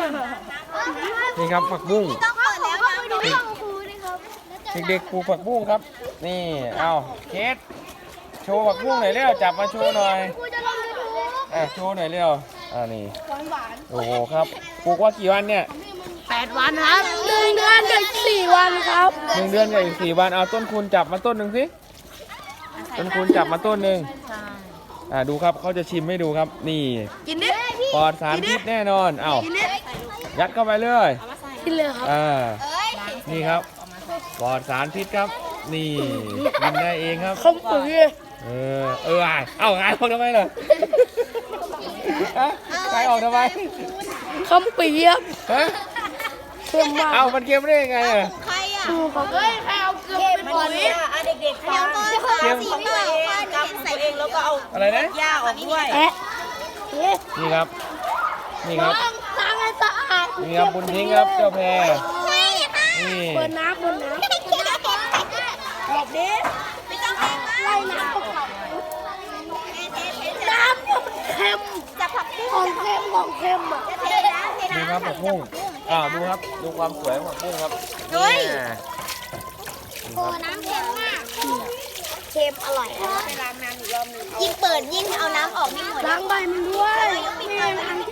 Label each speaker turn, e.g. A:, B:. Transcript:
A: นี่ครับผักบุ้ง
B: ต้องเปิดแล้วนะ
A: เด็กๆปลูกผักบุ้งครับนี่เอาเคสโชว์ผักบุ้งหน่อยเร็วจับมาโชว์หน่อยโชว์หน่อยเร็วนี่โอ้โหครับปลูกว่ากี่วันเนี่ย
C: 8 วันครับ1 เดือนกับ4 วันครับ
A: 1 เดือนกับอีก4 วันเอาต้นคูณจับมาต้นหนึ่งสิต้นคูณจับมาต้นหนึ่งดูครับเขาจะชิมให้ดูครับนี่
C: กินดิ
A: ปลอดสารพิษแน่นอนเอายัดเข้าไปเลย
C: กินเลยครับ
A: นี่ครับปลอดสารพิษครับนี่กินได้เองครับ
C: ข้าวปุ๋ย
A: เอาไงออกทำไมล่ะไงออกทำไม
C: ข้าวเปียก
A: ฮะ
C: เค็มมาก
A: เอามันเค็มได้ยังไงอ่ะ
B: ใครอ่ะ
C: ดูเขาเฮ้ยใครเอาเกลือเป็นปุ๋ย
B: เด็กๆฟังสีเปล่าค่ะหนูเห็นใส่เองแล้วก็เอา
A: อะไรนะ
B: หญ้าออกด้วย
C: แอะเอ๊ะ
A: นี่ครับนี่ครับ
C: ล้างให้สะอาด
A: นี่ครับบุญทิ้งครับเจ้าแพรนี่
C: เปิดน้ำหลบดิ
B: ไม่ต้องเองนะ
C: ไล่น้ำออกน้ำเนี่ยมันเค็ม
B: จะผักบุ้ง
C: ของเค็มอ่ะ
B: เทน้ำเท
A: ดู
B: น้ำ
A: ครับผักบุ้งดูครับดูความสวยของผักบุ้งครับ
B: เฮ้ย
A: นี่
B: โอ้น้ำเค็มมาก
C: เค็มอร่อย
B: ยิ่งเปิดยิ่งเอาน้ำออกไม่หมด
C: ล้างใบมันด้วยไม่งั้น